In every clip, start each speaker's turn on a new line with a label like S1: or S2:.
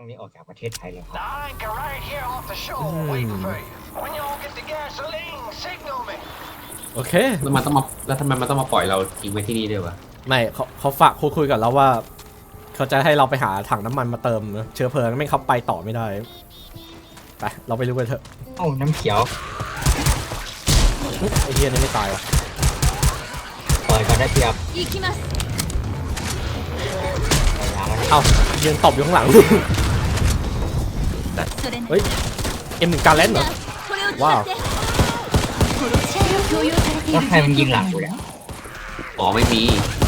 S1: นี้ออกจากประเทศไทยเลยครับ
S2: โอเค
S3: แล้วมันต้องมาแล้วทำไมมันต้องมาปล่อยเราทิ้งไว้ที่นี่ด้วยวะ
S2: ไม่เขาฝากคุยกับเราว่าเขาจะให้เราไปหาถังน้ำมันมาเติมเชื้อเพลิงไม่เขาไปต่อไม่ได้ไปเราไปรู้กันเถอะ
S1: เอ้าน้ำเขียว
S2: ไอ้เฮียนี่ไม่ตายว่ะ
S1: เปิดก่อนได้เปรียบ
S2: เอ้ายืนตบอยู่ข้างหลังเฮ้ยM1การเล่นเหรอว้าว
S1: แล้วใครมันยิงหลังกูเนี่ย
S3: อ๋อไม่มี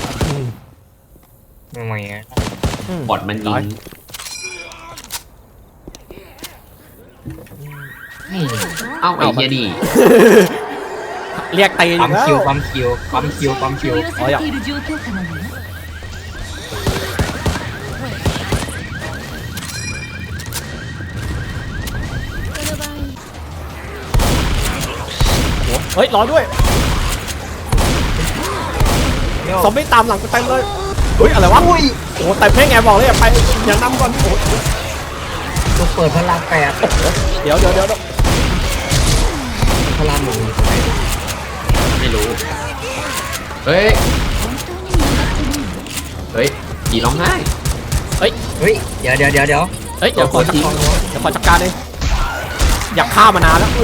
S1: ไม่ไหวอ่ะ
S3: บอทมันยิง
S1: นี่
S3: เอ้าไอ้เหี้ยนี่
S2: เรียกตี
S1: ปั๊ม
S2: แล้ว
S1: คิวปั๊มคิวปั๊มคิวปั๊มคิว
S2: อ๋ออยากเฮ้ยรอด้วยซอมบี้ตามหลังกูเต็มเลยเฮ้ยอะไรวะโอ้โหแต่เพ่งแอบบอกเลยอย่าไปอย่านำก่อนโอ้
S1: ตัวเปิดพลังแปด
S2: เดี๋ยว
S1: พลังหนึ่ง
S3: ไม่รู้เฮ้ยผีร้องไห้
S1: เฮ้ยเดี๋ยว
S2: เฮ้ยเดี๋ยวขอจัดการเองอยากฆ่ามานานแล้ว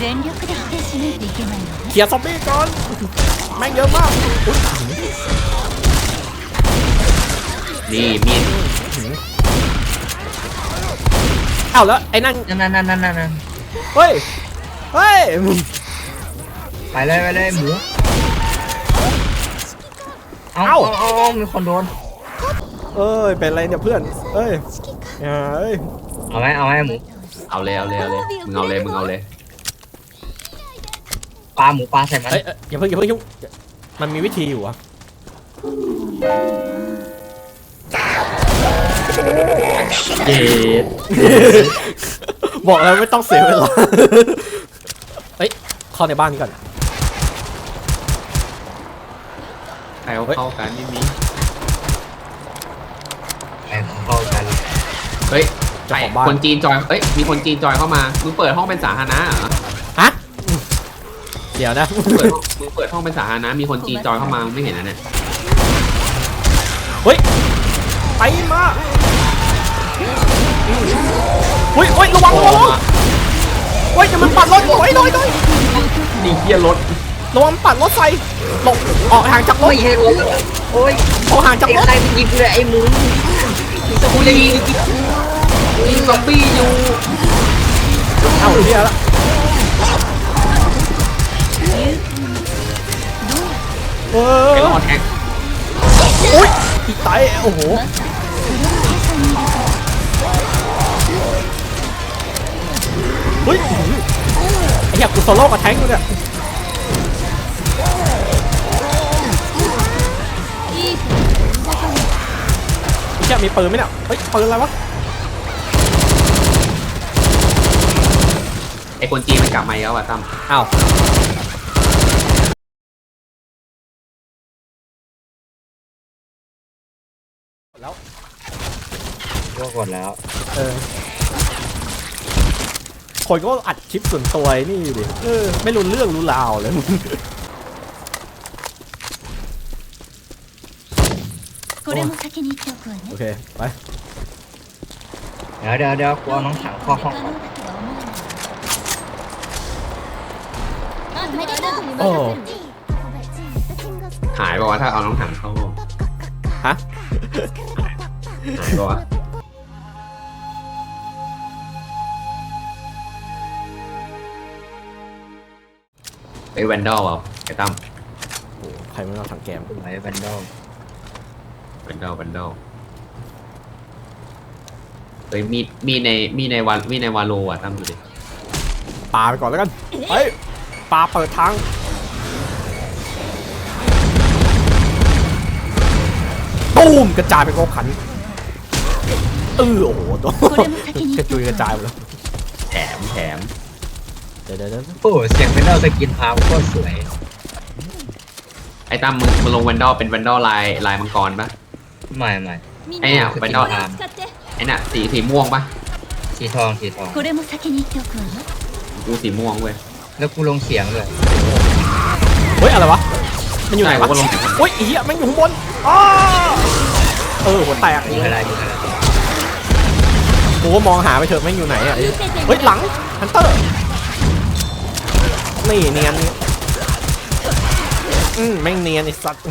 S2: เคลียร์ซอมบี้ก่อนแม่งเยอะมาก
S3: นี่มีด
S2: เอ้าแล้วไอ้นั่น
S1: นั่น
S2: เฮ้ย
S1: ไปเลยหมูเอามีคนโดน
S2: เอ้ยเป็นไรเนี่ยเพื่อนเอ้ยเอ้ย
S1: เอาไหมหมู
S3: เอาเลยมึงเอาเลย
S1: ปลาหมูปลาใส่มัน
S2: เฮ้ยอย่าเพิ่งยุ่งมันมีวิธีอยู่อะ
S3: เย็ด
S2: บอกแล้วไม่ต้องเสียเวลาเฮ้ยเข้าในบ้านก่อน
S3: ใครเอาเข้ากันไม่มี
S1: ไปเข้ากัน
S3: เฮ้ยคนจีนจอยมีคนจีนจอยเข้ามามึงเปิดห้องเป็นสาธารณะเหรอ
S2: ฮะเดี๋ยวนะ
S3: มึงเปิดห้องเป็นสาธารณะมีคนจีนจอยเข้ามามึงไม่เห็นนะเนี่ย
S2: เฮ้ยไปมาเฮ้ยระวังเฮ้ยจะมันปัดรถโอ้ย
S3: นี่เหี้ยรถ
S2: ระวังปัดรถไฟหลบออกห่างจากรถ
S1: ไม่ใช่รถโอ้ย
S2: ออกห่างจากรถ
S1: ใครมันยิงเลยไอ้หมู
S3: กูยิงซอมบี้อยู่
S2: เอาเฮียละ
S3: ไปรอแท็ก
S2: อุ้ยอีกไตโอ้โหเฮ้ยไอ้เหี้ยกูโซโล่กับแทงกูเนี่ยเหี้ยมีปืนไหมเนี่ยเฮ้ยปืนอะไรวะ
S3: ไอ้คนจีนมันกลับมาแล้วอ่ะตั้ม
S2: อ้าวแล้ว
S1: ก็กดแล้ว
S2: คนก็อัดคลิปส่วนตัวนี่ดิไม่รู้เรื่องรู้ราวเลยโอเคไป
S1: เดี๋ยวกูเอาน้องถังเข้าห้องก่อน
S2: โอ้
S3: หายป่าวะถ้าเอาน้องถังเข้าห้อง
S2: ฮะ
S3: หายป่าวะไอ้แวนดอลอ่ะไอ้ตั้ม
S2: โอ้ใครไม่เอาถังแกม
S1: ไว้แวนดอล
S3: แวนดอลเฮ้ยมีในวาโลอ่ะตั้มดูดิ
S2: ปาไปก่อนแล้วกันเฮ้ยปาเปิดทางตูมกระจายไปโกขันโอ้โหตัวกระจุยกระจายหมดแล้ว
S3: แถม
S2: เดี๋ยว
S1: โอ้เสียงแวนดอลสกินพาวก็สวย
S3: ไอ้ตั้มมึงลงแวนดอลเป็นแวนดอลลายมังกรปะ
S1: ไม่
S3: ไอ้เนี่ยแวนดอลไอ้น่ะสีม่วงปะ
S1: สีทองสีทอง
S4: これも先に言っておくわよ
S3: กูสีม่วงเว้ย
S1: แล้วกูลงเสียงเลย
S2: เฮ้ยอะไรวะมันอยู่ไหนวะ
S3: ใช่กูก็ลง
S2: โอ้ยไอ้เหี้ยมันอยู่ข้างบนอ้าหัวแตก
S1: มีอะไรมีอะไร
S2: กูก็มองหาไปเถอะแม่งอยู่ไหนอ่ะเฮ้ยหลังฮันเตอร์นี่เนียนแม่งเนียนไอ้สัตว์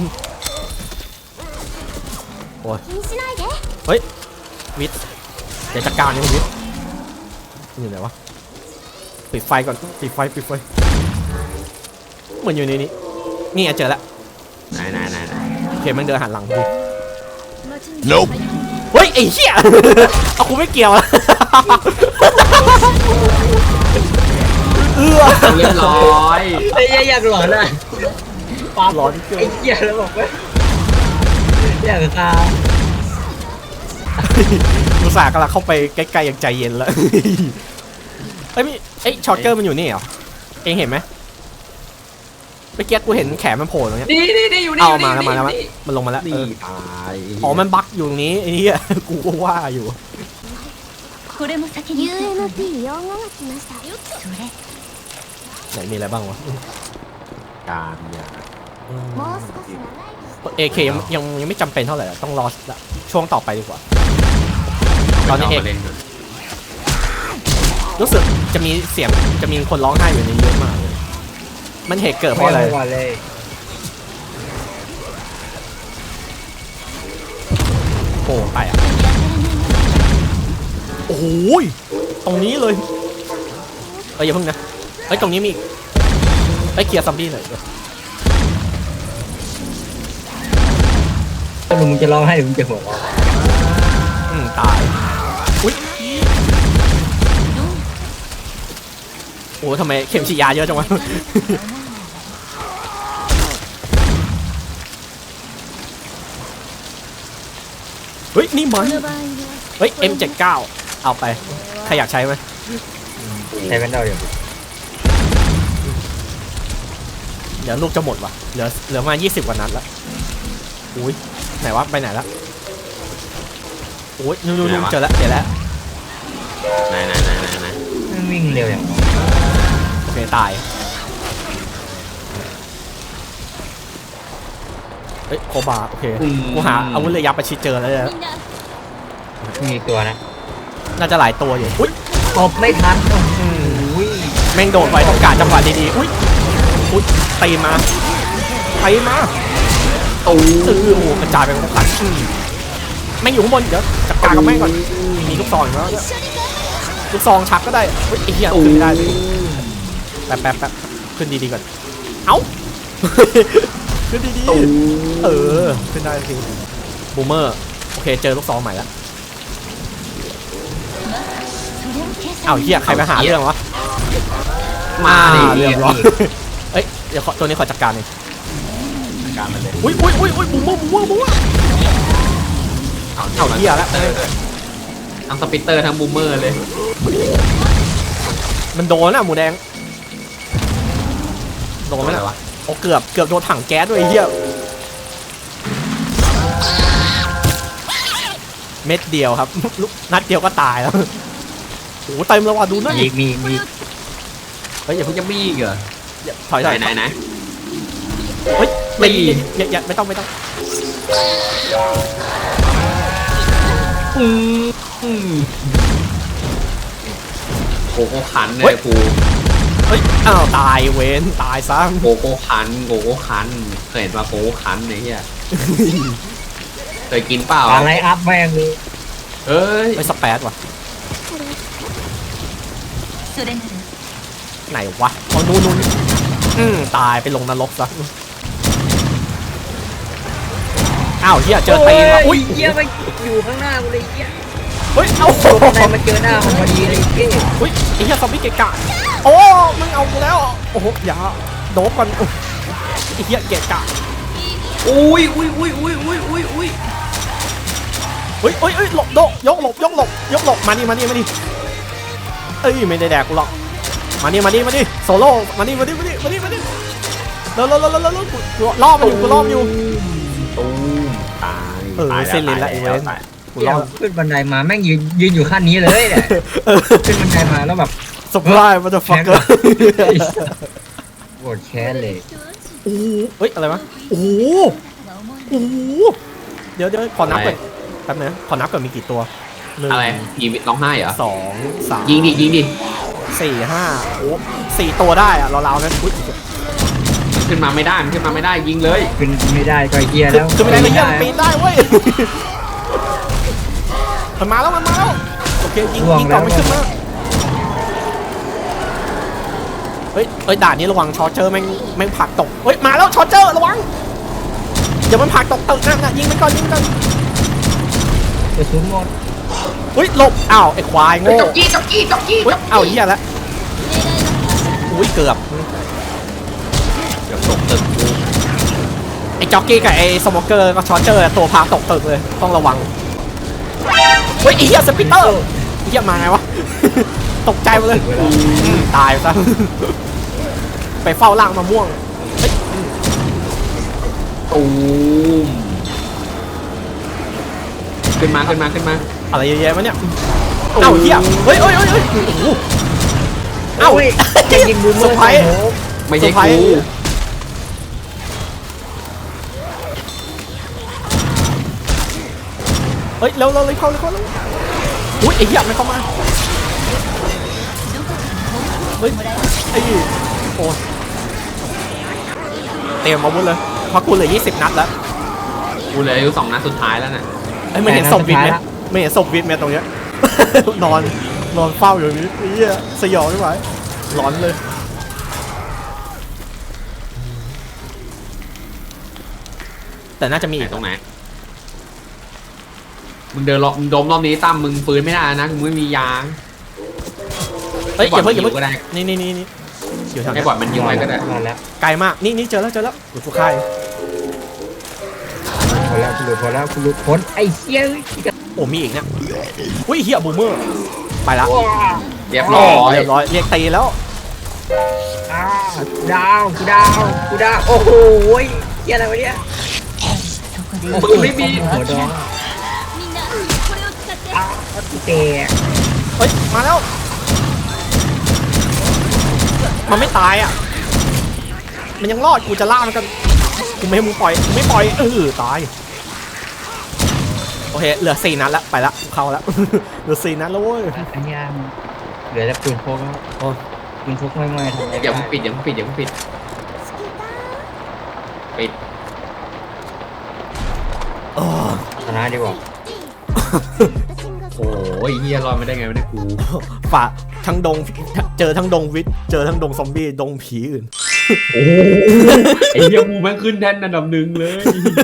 S2: โอ้ย
S4: 気にしないで
S2: เฮ้ยวิทย์เดี๋ยวจัดการนี่วิทย์อยู่ไหนวะปิดไฟก่อนปิดไฟเหมือนอยู่ในนี้นี่เจอแล้ว
S3: ไหน
S2: โอเคมันเดินหันหลังพอดี
S4: Nope
S2: เฮ้ยไอ้เหี้ย เอากูไม่เกี่ยวละ
S3: เรียบร้อย
S1: ไอ้เหี้ยอยากหลอนอ่ะปา
S2: ร้อนเกิน
S1: ไอ้เหี้ยแล้วบอกว่าอยากฆ่า
S2: กูสากำลังเข้าไปใกล้ๆอย่างใจเย็นแล้วเอ้ยช็อตเกอร์มันอยู่นี่เหรอเองเห็นไหมเมื่อกี้กูเห็นแขนมันโผล่ตรงเนี้ย
S3: นี่อยู่นี่
S2: เอามาแล้วมันลงมาแล้ว
S3: นี่ตาย
S2: อ๋อมันบั๊กอยู่ตรงนี้ไอ้เหี้ยกูก็ว่าอยู่
S4: これも先に言っておくわ
S5: UMP4 号が来ました。
S4: それ
S2: ไหนมีอะไรบ้างวะ
S3: การยา
S5: もう少し長い
S2: AK ยังไม่จำเป็นเท่าไหร่อะต้องรอช่วงต่อไปดีกว่า ตอนนี้เอก
S3: เล่นก่อน
S2: รู้สึกจะมีเสียงจะมีคนร้องไห้อยู่ในนี้เยอะมากเลยมันเหตุเกิดเพราะอะไร
S1: ม่ว่าเลย
S2: โอ้ไปอ่ะโอ้โหยตรงนี้เลยอย่าเพิ่งนะตรงนี้มีอีกเคลียร์ซัมบี้หน่อย
S1: ถ้ามึงจะร้องให้หรือมึงจะหัวเราะ
S2: ตายอุ้ยโอ้ทำไมเข็มฉีดยาเยอะจังวะเฮ้ยนี่มัน
S4: この場合は
S2: เฮ้ย M79 เอาไปใครอยากใช้ไหม
S1: ใช้แว่นดาวอย่าง
S2: เดี๋ยวลูกจะหมดว่ะเหลือมา20กว่านัดแล้วอุ้ยไหนวะไปไหนแล้วโอ้ยนู่นเจอแล้วไหน
S1: มันวิ่งเร็วอย่าง
S2: โอเคตายเฮ้ยโคบาโอเคกูหาอาวุธระยะประชิดเจอแล้วเนี่ย
S4: みんな
S1: มีตัวนะ
S2: น่าจะหลายตัวอยู่อุ้ย
S1: ตบไม่ทันโอ้โห
S2: แม่งโดดไปต้องการจังหวะดีๆอุ้ยตีมาโอ้โหกระจายไปหมดเลยแม่งอยู่ข้างบนเดี๋ยวจัดการกับแม่งก่อนมีลูกซองอยู่แล้วลูกซองชักก็ได้อุ้ยไอ้เหี้ยขึ้นไม่ได้เลยแป๊บขึ้นดีๆก่อนเอ้า ขึ้นดีๆขึ้นได้จริงบูมเมอร์โอเคเจอลูกซองใหม่แล้ว
S4: それを計算
S2: อ้าวเหี้ยใครไปหาเรื่องวะ
S3: มาดิ
S2: เรียบร้อยเอ้ยเดี๋ยวตัวนี้ขอจัดการเอง
S3: การมันเลย
S2: อุ้ยบูมเมอร์เอาเหี้ยแล้ว
S3: ทั้งสปิตเตอร์ทั้งบูมเมอร์เลย
S2: มันโดนอ่ะหมูแดงโดนไหม
S3: อะไร
S2: ล่ะ
S3: วะ
S2: โอ้เกือบโดนถังแก๊สด้วยไอ้เหี้ยเม็ดเดียวครับลูกนัดเดียวก็ตายแล้วโอ้เต็มแล้วว่ะดูหน่อย
S1: มี
S2: เฮ้ยอย่าเพิ่ง
S3: จะมีอีกเหรอ
S2: ถอย
S3: ไหน
S2: เฮ้ยอย่าไม่ต้อง
S3: โกโก้คันเลยกู
S2: เฮ้ยอ้าวตายเว้นตายซะ
S3: โกโก้คันเคยเห็นว่าโกโก้คันไอ้เหี้ยเคยกินเปล่า
S1: อะไรอัพแม่งเลย
S3: เอ้ย
S2: ไม่สเปซว่ะ
S4: それなら
S2: ไหนวะเอานู่นตายไปลงนรกซะอ้าวเฮียเจอตีนว่ะอุ้ย
S1: เหี้ยมันอยู่ข้างหน้ากูเลยเหี้ย
S2: เฮ้ยเอา
S1: ตัวข้างในมันเจอหน้ามันพอดีเลยเหี้ย
S2: อุ้ยไอ้เฮียซอมบี้เกะกะโอ้มึงเอากูแล้วโอ้โหอย่าโดบก่อนไอ้เฮียเกะกะ
S3: อุ้ย
S2: เฮ้ยหลบโดยกหลบมาดิเอ้ยไม่ได้แดกกูหรอกมาดิโซโล่มาดิแล้วล่อมันอยู่
S3: ตูมตาย
S2: เส้นลิ้นละไอ้เว้นกู
S1: เดี๋
S2: ร
S1: ย
S2: อ
S1: วขึ้นบันไดมาแม่งยืนอยู่ขั้นนี้เลยเนี่ยขึ้นบันไดมาแล้วแบบ
S2: สปายมันจะฟักเกอร์
S1: โกรธแค้นเลย
S2: โอ้โหเฮ้ยอะไรวะโอ้โหโอ้โหเดี๋ยวขอนับก่อนแป๊บนึงขอนับก่อนมีกี่ตัวหนึ่ง
S3: อะไรผีร้องไห้เหรอ
S2: สองสาม
S3: ยิงดิ
S2: สี่ห้าโอ้สี่ตัวได้อะเราๆนั้นอุ๊ย
S3: มันขึ้นมาไม่ได้ยิงเลย
S1: ขึ้นไม่ได้ก็เฮียแล้ว
S2: คือไม่ได้เลยยังปีนได้เว้ยมันมาแล้วโอเคยิงก่อนไม่ขึ้นมาเฮ้ยด่านนี้ระวังชอเจอร์แม่งผลักตกเฮ้ยมาแล้วชอเจอร์ระวังเดี๋ยวมันผลักตกตึกนั่นนะยิงมันก่อน
S1: กระสุนหมด
S2: เฮ้ยหลบอ้าวไอ้ควายโง่
S3: จกกี้
S2: เฮ้ยอ้าวเหี้ยแล้วอุ้ยเกือบ
S3: เดี๋ยวตกตึกกู
S2: ไอ้จ็อกกี้กับไอ้สโมเกอร์ก็ชอเจอร์ตัวพาตกตึกเลยต้องระวังเฮ้ยไอ้เหี้ยสปิเตอร์ไอ้เหี้ยมาไงวะ ตกใจหมดเลยตายซะ ไปเฝ้าล่างมะม่วง
S3: ตูมขึ้นมา
S2: อะไรเยอะแยะวะเนี่ยเอ้าเหี้ยเฮ้ยโอ้โหเอ้า
S1: จะยิงบูมเมอร์
S2: เซอร์ไพรส์
S3: ไม่ใช่
S2: เซอร์ไพร
S3: กู
S2: ส์ เฮ้ยเร็วเข้าอุ้ยไอ้เหี้ยมันเข้ามาเฮ้ยไอ้โอ้เตรียมอาวุธเลยเพราะกูเหลือ20 นัดแล้ว
S3: กูเหลืออยู่2 นัดสุดท้ายแล้วน่ะ
S2: ไอ้ไม่เห็นศพวิทย์ไหมไม่เห็นศพวิทย์ไหมตรงเนี้ย นอนเฝ้าอยู่อย่างนี้ไอ้เหี้ยสยองไม่ไหวร้อนเลยแต่น่าจะมี
S3: ไหน
S2: อีก
S3: ตรงไหนมึงเดินรอบมึงดมรอบนี้ตั้มมึงปืนไม่ได้นะมึงไม่มียาง
S2: เอ้ยอย่าเพิ่ง
S3: ก็ได้
S2: นี่อยู่ทาง
S3: ให้
S2: นี้
S3: บอดมันยิงไว้ก็ได้
S1: มาแล้ว
S2: ไกลมากนี่เจอแล้วอยู่ทุกค่าย
S1: พอแล้วคุณหลุดพ้นไอ้เฮีย
S2: โอ้มีอีกเนี่ยอุ้ยเฮียบูมเมอร์ไปละ
S3: เรียบร้อย
S2: เรียบร้อยเรียกตีแล้ว
S1: ดาวโอ้โหเฮียอะไรวะเนี่ย
S3: ปืนไม่มี
S1: หัวดอง
S4: みんなこれを使って
S1: แตก
S2: เฮ้ยมาแล้วมันไม่ตายอ่ะมันยังรอดกูจะล่ามันกันกูไม่ให้มึงปล่อยกูไม่ปล่อยตายโอเคเหลือ4 นัดแล้วไปละเข้าแล้ว เหลือ4 นัดแล้วเว้ย
S1: อันนี้เหลือแต่ปืนพกแล้ว
S2: โอ้
S1: ปืนพกไม่ทำอะไร
S3: อย่าเพิ่งปิดปิด
S2: เออ
S1: ชนะดีกว่า
S3: โอ้ยเฮียรอดไม่ได้ไงไม่ได้กู
S2: ฝ่าทั้งดงเจอทั้งดงวิทย์เจอทั้งดงซอมบี้ดงผีอื่น
S3: โอ้ไอ้เฮียกูแม่งขึ้นแท่นอันดับ 1เลย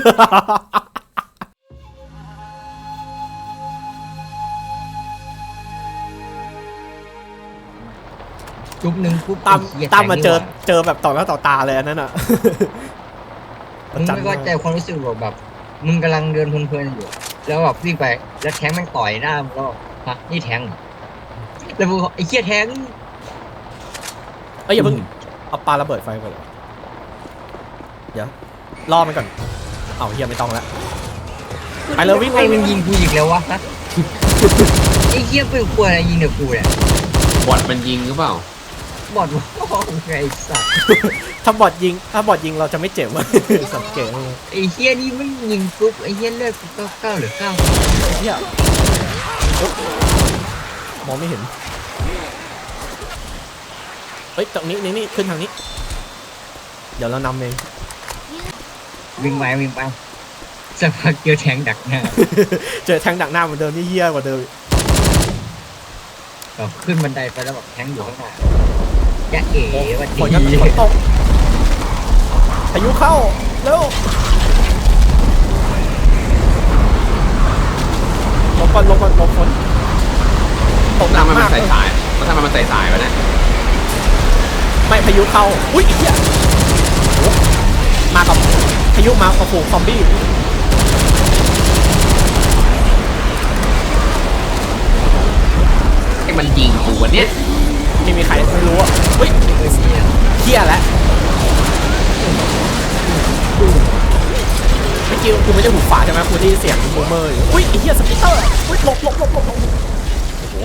S1: จุ๊บหนึ่งปุ๊บ
S2: ตั้มมาเจอแบบต่อหน้าต่อตาเลยอันนั้นอ่ะ
S1: มึงไม่เข้าใจความรู้สึกแบบมึงกำลังเดินเพลินๆอยู่แล้วแบบวิ่งไปแล้วแทงแม่งต่อยหน้ามึงก็ฮะนี่แทงแล้วมึงไอ้เหี้ยแทง
S2: เอ้ยอย่าเพิ่งเอาปาระเบิดไฟก่อนเดี๋ยวล่อมันก่อนเอาเฮียไม่ต้องแล้วไปเลยวิ่ง
S1: ไอ้มึงยิงกูอีกแล้ววะฮะไอ้เหี้ยเป็นควรอะไรยิงเด็กกูเนี่ย
S3: บอดมันยิงหรือเปล่า
S1: บอดว่าไงสัตว์
S2: ถ้าบอดยิงเราจะไม่เจ็บ วะ สังเกต
S1: ไอ้เหี้ยนี่ไม่ยิงปุ๊บไอ้เหี้ยเลือดกูเก้าหรือเก้า
S2: เฮียโอ๊ะมองไม่เห็นเฮ้ยตรงนี้นี่ขึ้นทางนี้ เดี๋ยวเรานำเอง
S1: วิ่งไปสักพักเจอแทงดักหน้า
S2: เจอแทงดักหน้าเหมือนเดิมนี่เฮี้ยกว่าเดิม
S1: แบบขึ้นบันไดไปแล้วแบบแทงอยู่ข้างหน้าจะเอ๋วัน
S2: ฝนก็
S1: ดี
S2: ฝนตกพายุเข้าเร็วลงก่อนฝนตกหนั
S3: ถ้าก มัน
S2: มาก
S3: ใส่สายถ้ามันใส่สายวะเนี่ย
S2: ไม่พายุเข้าอุ้ยไอ้เหี้ยโอ้มากับพายุมากับฝูงซอมบี้
S3: ไอ้มันยิงกูวะเนี่ย
S2: ไม่มีใครไม่รู้อ่ะเฮ้ยเหี้ยแล้วอกี้กูไม่ได้หูฝาดใช่ไหมกูได้ยินเสียงบูมเมอร์อยู่อุ้ยไอ้เหี้ยสปิตเตอร์อุ้ยหลบโอ้โห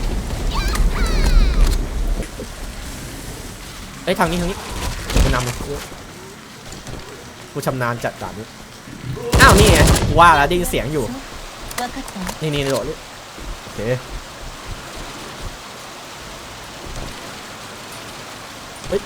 S2: ไอ้ยทางนี้กูนำเลยกูชำนาญจัดด่านนี้อ้าวนี่ไงกูว่าแล้วได้ยินเสียงอยู่
S4: 分かったわ
S2: นี่โดดนี่โอเคเฮ้ย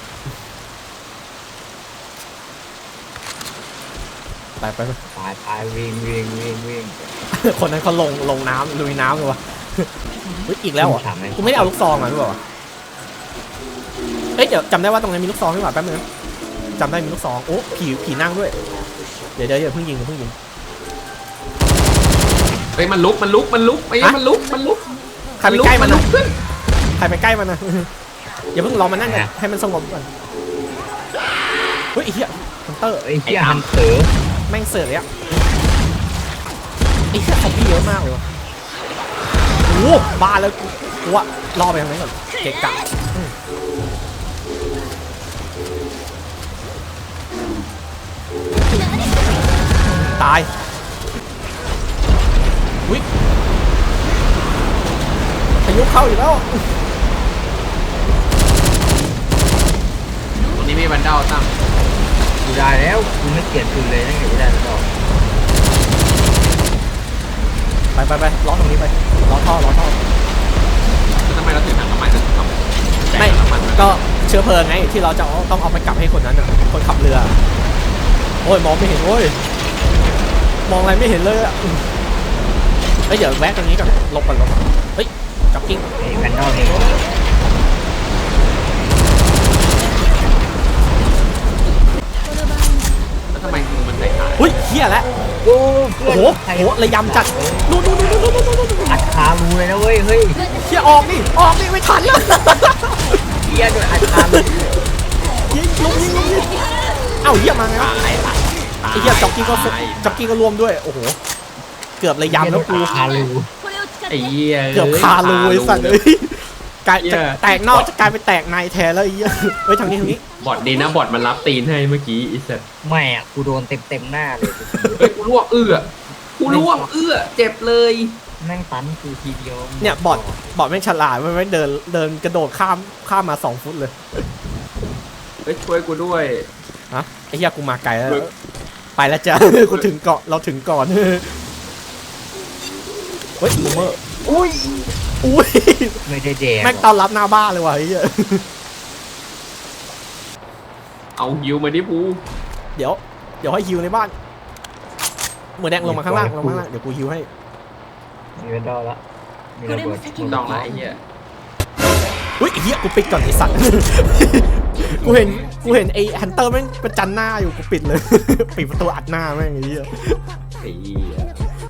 S2: ไป
S1: ตายวิ่ง
S2: คนนั้นเขาลงน้ำลุยน้ำเลยวะเฮ้ยอีกแล้วเหรอ่ะกูไม่ได้เอาลูกซองมาหรือเปล่าเฮ้ยเดี๋ยวจำได้ว่าตรงนั้นมีลูกซองหรือเปล่าแป๊บนึงจำได้มีลูกซองโอ้ผีนั่งด้วยเดี๋ยวเพิ่งยิง
S3: เฮ้ยมันลุกไอ้มันลุก
S2: ใครไปใกล้มันนะใครไปใกล้มันนะอย่าเพิ่งรอมันนั่งกันให้มันสงบก่อนเฮ้ยไอ้เหี้ยฮันเตอร์
S1: ไอ้เหี้ยฮันเตอร์
S2: แม่งเสือเลยอะไอ้เหี้ยซอมบี้เยอะมากเลยวะโอ้บ้าแล้วกูว่ารอไปทางไหนก่อนเกะกะตายวิพายุเข้าอยู่แล้ว
S3: ตรงนี้มีบันเดาตั้ง
S1: กูได้แล้วกูไม่เกลียดคืนเลยนั่งอยู่ไม่ได้แล้ว
S2: ไปล้อตรงนี้ไปล้อท่อ
S3: แล้วทำไมเราถึงถังน้ำมันทำ
S2: ไม่ก็เชื้อเพลิงไงที่เราจะต้องเอาไปกลับให้คนนั้นน่ะคนขับเรือโอ้ยมองไม่เห็นโอ้ยมองอะไรไม่เห็นเลยอ่ะเฮ้ยเดี๋ยวแวะตรงนี้ก่อนหลบก่อนเฮ้ยจ็อกกิ้ง
S1: ไอ้แพนด้าเอง
S3: แล้วทำไมงูมันใส่ขา
S2: เฮ้ยเฮียแล้ว
S1: โอ้
S2: โอ้โหระยำจัดนู่น
S1: อัดขารูเลยนะเว้ยเฮ้ย
S2: เฮียออกนี่ไม่ทันแล้ว
S1: เหี้ยโดนอัดขารู
S2: ยิงเอ้าเฮียมาไงวะไอ้เฮียจ็อกกิ้งก็รวมด้วยโอ้โหเกือบระยำแล้วกู
S1: ขารู
S4: これを使っ
S3: ไอ้
S4: て
S3: เหี้ย
S2: เกือบคารูไอ้สัตว์เลยกลายแตกนอกจะกลายเป็นแตกในแทนแล้วไอ้เหี้ยเฮ้ยทางนี้
S3: บอดดีนะบอดมันรับตีนให้เมื่อกี้อีสัตว์
S1: ไม่อ่ะกูโดนเต็มหน้าเลย
S3: เฮ้ยกูลวกเจ็บเลย
S1: แม่งตันกูทีเดียว
S2: เนี่ยบอดแม่งฉลาดมันไม่เดินกระโดดข้ามมา2 ฟุตเลย
S3: เฮ้ยช่วยกูด้วย
S2: ฮะไอ้เหี้ยกูมาไกลแล้วไปแล้วจ้ะกูถึงเกาะเราถึงก่อนเฮ้ยบูมเมอร์อุ้ย
S1: ไม่ได้แดง
S2: แม่งต้อนรับหน้าบ้านเลยว่ะไอ้เหี้ย
S3: เอาฮิวมาดิปู
S2: เดี๋ยวให้ฮิวในบ้านเหมือนแดงลงมาข้างล่างเดี๋ยวกูฮิวให้
S1: มีแพนด้าละมีระเบิด
S3: ต้องละไอ้เหี้ย
S2: เฮ้ยไอ้เหี้ยกูปิดก่อนไอ้สัตว์ กูเห็นไอ้ฮันเตอร์แม่งประจันหน้าอยู่กูปิดเลย ปิดประตูอัดหน้าแม่งไอ้เหี้ย
S3: ไอ้เหี้ย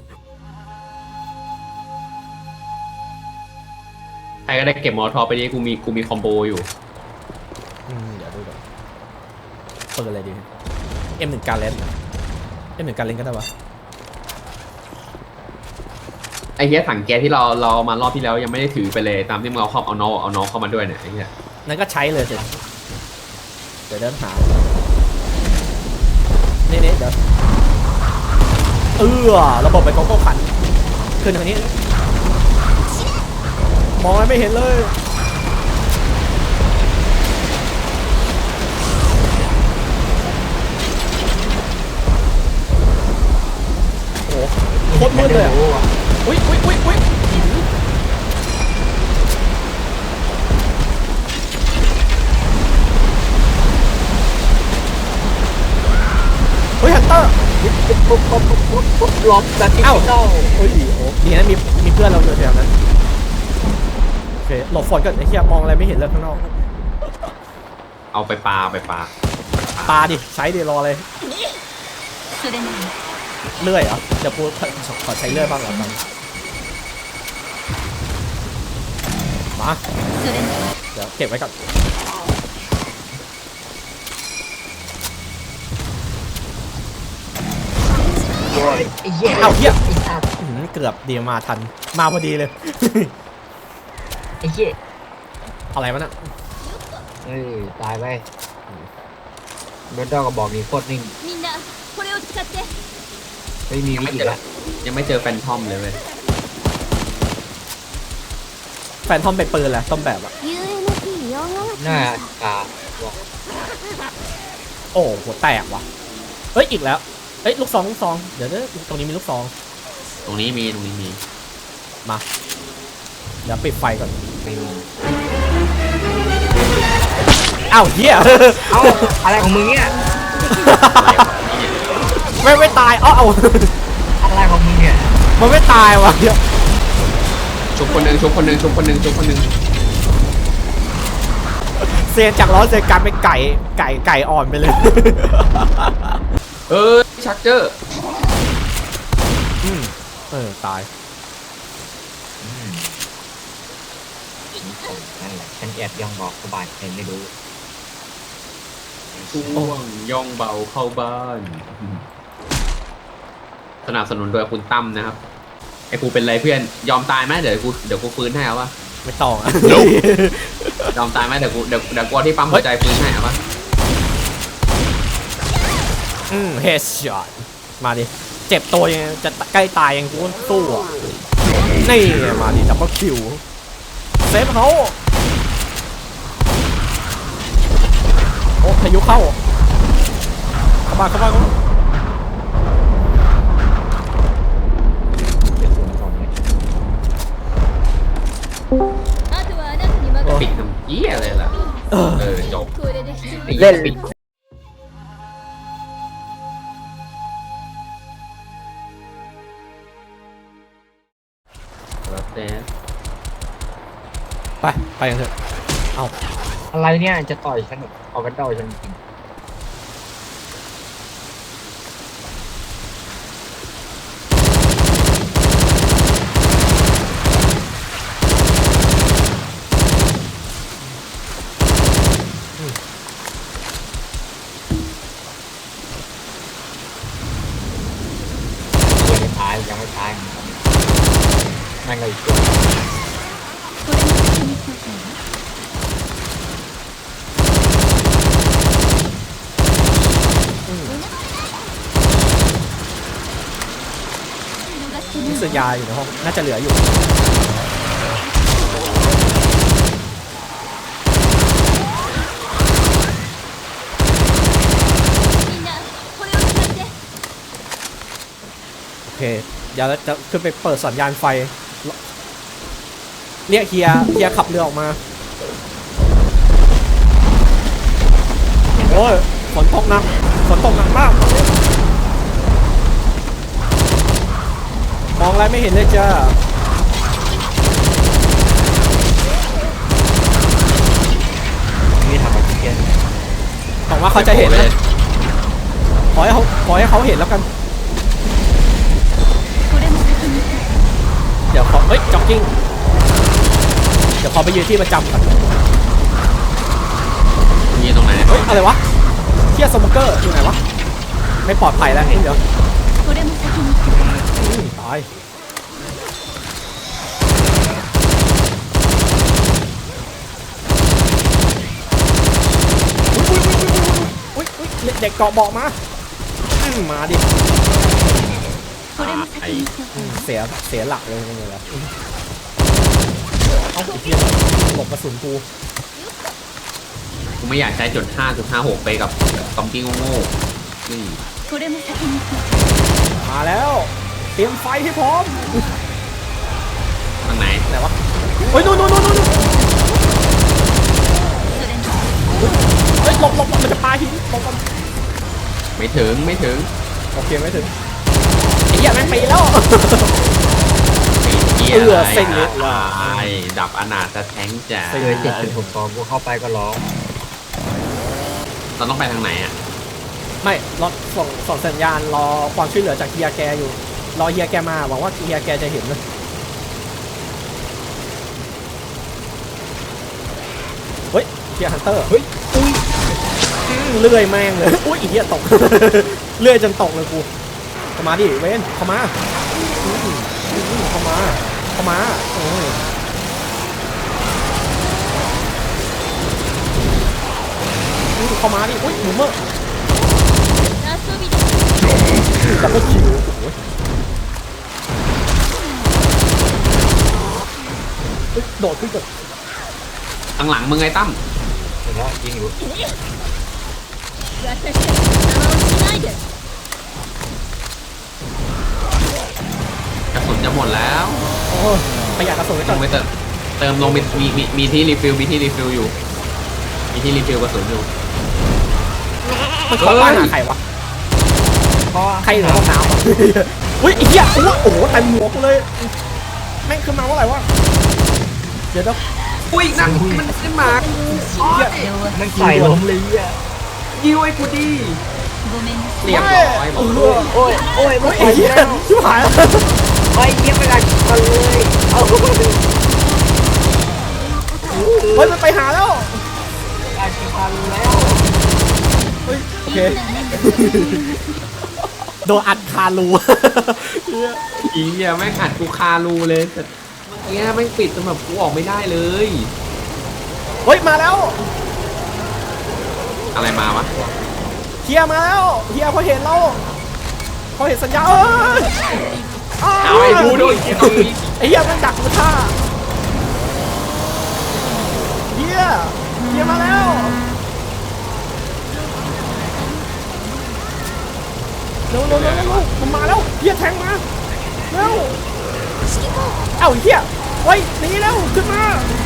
S3: ใครก็ได้เก็บมอทอไปดิกูมีคอมโบอยู่
S2: เดี๋ยวดูก่อนเปิดอะไรดี M1 การเล่นM1 การเล่นก็ได้ปะ
S3: ไอ้เหี้ยถังแก๊สที่เรามารอบที่แล้วยังไม่ได้ถือไปเลยตามที่มึงเอาน้องเข้ามาด้วยเนี่ยไอ้เหี้ย
S2: นั่นก็ใช้เลยสิเดี๋ยวเดินหานี่เดี๋ยวระบบไปโกโก้ขันขึ้นทางนี้มองอะไรไม่เห็นเลยโอ้โหโคตรมืดเลยอ่ะอุ้ยเฮ้ยฮันเตอร์
S1: ล็อกแบบที่เข้า
S2: โอ้ยโอ้ดีนะมีเพื่อนเราอยู่แถวนั้นโอเคหลบฝนก่อนไอ้เหี้ยมองอะไรไม่เห็นเลยข้างนอก
S3: เอาไปปลา
S2: ปาดิใช้ดิรอเลย
S4: それなら
S2: เลื่อยเหรอเดี๋ยวกูขอใช้เลื่อยบ้างเหรอครับมา
S4: それなら
S2: เดี๋ยวเก็บไว้ก่อน
S1: ไอ้เหี้ย
S2: เอ้าเหี้ย
S1: ไอ้สัตว์
S2: เกือบเดียวมาทันมาพอดีเลย
S1: ไอ้เหี้ย
S2: อะไรวะน่ะ
S1: เฮ้ยตายไปแพนด้าก็บอกนี่โคตรนิ่ง
S4: みんなこれを使って
S1: ไม่มีวิธีละ
S3: ยังไม่เจอแฟนทอมเลยเว้ย
S2: แฟนทอมเป็นปืนแหละต้นแบบอะ
S5: UMP4 が
S1: หน้า
S5: 来ました
S1: กาบอก
S2: โอ้หัวแตกว่ะเฮ้ยอีกแล้วเฮ้ยลูกซองเดี๋ยวตรงนี้มีลูกซอง
S3: ตรงนี้มี
S2: มาเดี๋ยวปิดไฟก่อน
S1: ไม่มี
S2: อ้าวเหี้ย
S1: เอ้าอะไรของมึงเนี่ย
S2: ไม่ตายเอา
S1: อะไรของมึงเนี่ย
S2: มันไม่ตายว่ะเหี้ย
S3: ชุบคนหนึ่ง
S2: เซียนจากล้อเซียนกลายเป็นไก่อ่อนไปเลย
S3: ชักเจอร์
S2: ตาย
S1: นั่นแหละฉันแอบย่องบอกสบายใครไม่รู้
S3: ช่วงย่องเบาเข้าบ้าน สนับสนุนโดยคุณตั้มนะครับ ไอ้กูเป็นไรเพื่อนยอมตายไหมเดี๋ยวกูฟื้นให้เอาวะ
S2: ไม่ต้องอะ
S3: ยอมตายไหมเดี๋ยวกูเอาที่ปั๊มหัวใจฟื้นให้เอาวะ
S2: เฮดช็อตมาดิเจ็บตัวยังจะใกล้ตายยังกูสู้อ่ะนี่ไงมาดิดับเบิลคิวเซฟเขาโอ้พายุเข้ามา
S1: เป็นคนตอนนี้
S4: あとはあなたに任
S3: ปิดทำเหี้ยอะไรล่ะจบ
S4: せこれで一人
S1: เล่น
S3: ปิดแล้วแต่
S2: ไปกันเถอะเอา
S1: อะไรเนี่ยจะต่อยฉันเอากันต่อยฉันจริงยังไม่ตายนั่นก็อีกตัว
S4: これも先に言っておくわ
S2: มีเสียยาอยู่ในห้องน่าจะเหลืออยู่
S4: みんなこれを使って
S2: โอเคเดี๋ยวจะขึ้นไปเปิดสัญญาณไฟเรียกเฮียขับเรือออกมาโอ้ยฝนตกหนักมากมองอะไรไม่เห็นเลยจ้า
S1: นี่ทำอะไรกัน
S2: หวังว่าเขาจะเห็นนะขอให้เขาเห็นแล้วกัน
S4: これも先に言っておく
S2: เดี๋ยวขอจ็อกกิ้งเดี๋ยวขอไปยืนที่ประจำก่อน
S3: นี่ตรงไหน
S2: เฮ้ยอะไรวะเทียสโมเกอร์อยู่ไหนวะไม่ปลอดภัยแล้วเดี๋ยว
S4: これも先に言っておく
S2: ตายอุ๊ยเด็กเกาะเบาะมามาดิ
S4: これも先に言っておく
S2: เสียหลักเลยนี่แหละเอาไอ้เหี้ยหลบกระสุนกู
S3: กูไม่อยากใช้จุด5.56ไปกับซอมบี้โง่ๆนี่
S4: これも先に言っておく
S2: มาแล้วเตรียมไฟให้พร้อม
S3: ทางไหน
S2: ไหนวะเฮ้ยนู่น
S4: それに
S2: เฮ้ยหลบมันจะปาหินหลบมัน
S3: ไม่ถึง
S2: โอเคไม่ถึงไอ้เหี้ยแม่งปีแล้ว
S3: เหี้ย
S2: เอื้อ
S3: อะไร
S2: เส้นเล็ก
S3: ไอ้ดับอนาถแท้งจ้ะ
S1: เลย7.62กูเข้าไปก็ร้อง
S3: เราต้องไปทางไหนอ่ะ
S2: ไม่รอส่งสัญญาณรอความช่วยเหลือจากเฮียแกอยู่รอเฮียแกมาหวังว่าเฮียแกจะเห็นนะเฮ้ยเฮียฮันเตอร์เฮ้ยเลื่อยแม่งเลยอุ้ยอีเหี้ยตก เลื่อยจนตกเลยกูเข้ามาดิเว้นเข้ามาเข้ามาเข้ามาดิอุ้ยหนูเมื่อ
S4: 遊びだ
S2: แต่ก็คิวโดดขึ้นก่อน
S3: ข้างหลังมึงไงตั้ม
S1: เห็นแล้วยิงอยู่
S4: 私たちの邪魔をしないで
S3: กระสุนจะหมดแล้ว
S2: โอ้ประหยัดกระสุนไว้
S3: ล
S2: ก่อน
S3: งไปเติมลงมีที่รีฟิลมีที่รีฟิลอยู่มีที่รีฟิลกระสุนอยู่
S2: มันเข้าบ้านหาใครวะ
S1: เพราะว่า
S2: ใครอยู่ในห้องน้ำวะอุ้ยไอ้เหี้ยโอ้โหเต็มหัวกูเลยแม่งขึ้นมาเมื่อไหร่วะเดี๋ยว
S3: อุ้ยนั่นมันขึ้นมา
S1: มันใส่ล้มเลยอ่ะ
S3: ยิวไอ้กูดี
S4: ごめんなさい
S3: เรียบร้อยบอกเลย
S1: โอ้ยโอ้ยมัน
S2: ไอ้
S1: ใส่
S2: เหี้ย
S1: แล้ว
S2: ชิบหายแล้ว
S1: ไอ้เยี่ยมไปกันเลยเอา
S2: เฮ้ยมันไปหาแล้ว
S1: การพันแล้ว
S2: เฮ้ยโอเคโดนอัดคารูเหี้ย
S3: อีเหี้ยแม่งอัดกูคารูเลยแต่เมื่อกี้แม่งปิดจนแบบกูออกไม่ได้เลย
S2: เฮ้ยมาแล้ว
S3: อะไรมาวะ
S2: เฮียมาแล้วเฮียพอเห็นเราพอเห็นสัญญาณ
S3: เอาไอ้ดูด้วย
S2: ไอ้เฮียมันดักกูท่าเฮียมาแล้วเร็วมันมาแล้วเฮียแทงมาเร็วเอ้าเฮียเฮ้ยหนีแล้วขึ้นมา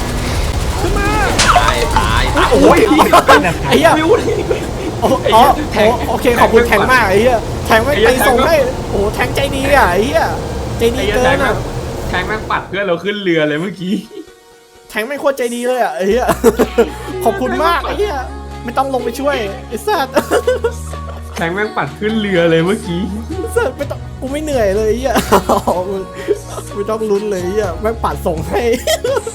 S3: ตาย
S2: โอ้ยไอ้เฮีย
S3: วิวเลย
S2: โอเคขอบคุณแทงมากไอ้เหี้ยแทงไม่ตีส่งให้โอ้แทงใจดีอ่ะไอ้เหี้ยใจดีเกินอ่ะ
S3: แทงแม่งปัดเพื่อนเราขึ้นเรือเลยเมื่อกี้
S2: แทงไม่โคตรใจดีเลยอ่ะไอ้เหี้ยขอบคุณมากไอ้เหี้ยไม่ต้องลงไปช่วยไอ้สัส
S3: แทงแม่งปัดขึ้นเรือเลยเมื่อกี้
S2: สัสไม่ต้องกูไม่เหนื่อยเลยไอ้เหี้ยไม่ต้องลุ้นเลยไอ้เหี้ยแม่งปัดส่งให้